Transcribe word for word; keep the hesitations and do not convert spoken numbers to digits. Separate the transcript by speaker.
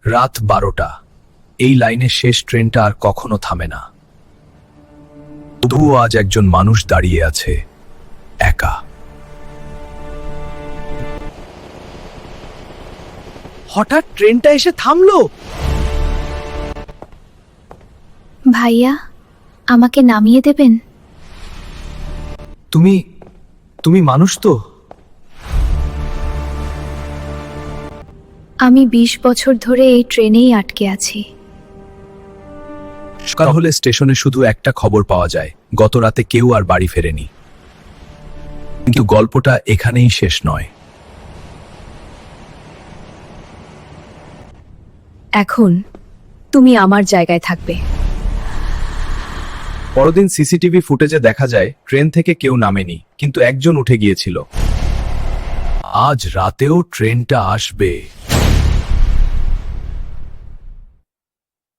Speaker 1: রাত বারোটা। এই লাইনের শেষ ট্রেনটা আর কখনো থামে না। তবুও আজ একজন মানুষ দাঁড়িয়ে আছে, একা। হঠাৎ ট্রেনটা এসে থামলো।
Speaker 2: ভাইয়া, আমাকে নামিয়ে দেবেন?
Speaker 1: তুমি তুমি মানুষ তো?
Speaker 2: আমি বিশ বছর ধরে এই ট্রেনেই আটকে আছি।
Speaker 1: সকাল হলে স্টেশনে শুধু একটা খবর পাওয়া যায়, গত রাতে কেউ আর বাড়ি ফেরেনি। কিন্তু গল্পটা এখানেই শেষ নয়।
Speaker 2: এখন তুমি আমার জায়গায় থাকবে।
Speaker 1: পরদিন সিসিটিভি ফুটেজে দেখা যায় ট্রেন থেকে কেউ নামেনি, কিন্তু একজন উঠে গিয়েছিল। আজ রাতেও ট্রেনটা আসবে।